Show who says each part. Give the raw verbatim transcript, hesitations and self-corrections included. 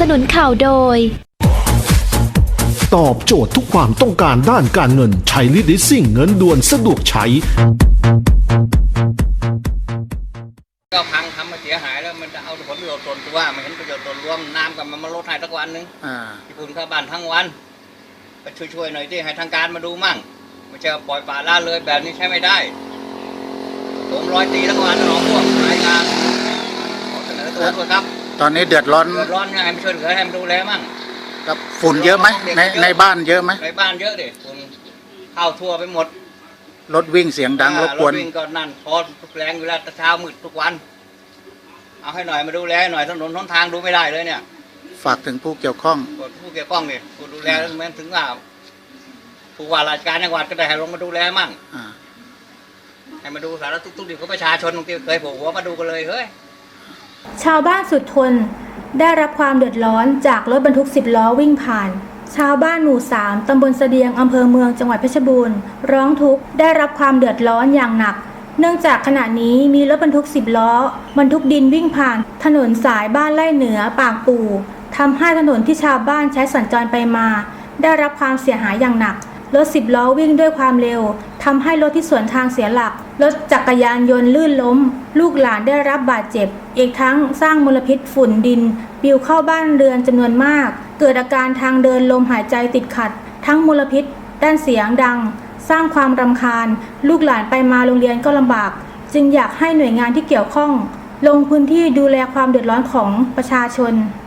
Speaker 1: สนุนข่าวโดย
Speaker 2: ตอบโจทย์ทุกความต้องการด้านการเงินใช้ลิดิสซิ่งเงินด่วนสะดวกใช้
Speaker 3: ก็พังทำมาเสียหายแล้วมันจะเอาผลประโยชน์ส่วนตัวมันเห็นประโยชน์ส่วนรวมน้ำกับมันมาลดให้สักวันนึงที่คุณเข้าบ้านทั้งวันไปช่วยๆหน่อยที่ให้ทางการมาดูมั่งไม่ใช่ปล่อยป่าละเลยแบบนี้ใช้ไม่ได้ผมร้อยตีทั้งวันน้องพวกรายงานขอเสนอตัวด้วยครับ
Speaker 4: ตอนนี้เดือดร้อน
Speaker 3: เดือดร้อนให้มาช่วยเหลือให้มาดูแลมั่ง
Speaker 4: กับฝุ่นเยอะไหมในในบ้านเยอะไหม
Speaker 3: ในบ้านเยอะดิฝุ่นเข้าทั่วไปหมด
Speaker 4: รถวิ่งเสียงดังรบกวน
Speaker 3: รถวิ่งก็นั่นพอแรงเวลาเช้ามืดทุกวันเอาให้หน่อยมาดูแลหน่อยถนนหนทางดูไม่ได้เลยเนี่ย
Speaker 4: ฝากถึงผู้เกี่ยวข้อง
Speaker 3: ผู้เกี่ยวข้องเนี่ยผู้ดูแลแม้ถึงว่าผู้ว่าราชการจังหวัดก็ได้ให้ลงมาดูแลมั่งให้มาดูสารทุกข์ดิบของประชาชนบางทีเคยผมหัวมาดูกันเลยเฮ้ย
Speaker 5: ชาวบ้านสุดทนได้รับความเดือดร้อนจากรถบรรทุกสิบล้อวิ่งผ่านชาวบ้านหมู่สามตำบลเสดียงอำเภอเมืองจังหวัดเพชรบูรณ์ร้องทุกข์ได้รับความเดือดร้อนอย่างหนักเนื่องจากขณะนี้มีรถบรรทุกสิบล้อบรรทุกดินวิ่งผ่านถนนสายบ้านไร่เหนือปากปู่ทำให้ถนนที่ชาวบ้านใช้สัญจรไปมาได้รับความเสียหายอย่างหนักรถสิบล้อวิ่งด้วยความเร็วทำให้รถที่สวนทางเสียหลักรถจักรยานยนต์ลื่นล้มลูกหลานได้รับบาดเจ็บอีกทั้งสร้างมลพิษฝุ่นดินปลิวเข้าบ้านเรือนจำนวนมากเกิดอาการทางเดินลมหายใจติดขัดทั้งมลพิษด้านเสียงดังสร้างความรำคาญลูกหลานไปมาโรงเรียนก็ลำบากจึงอยากให้หน่วยงานที่เกี่ยวข้องลงพื้นที่ดูแลความเดือดร้อนของประชาชน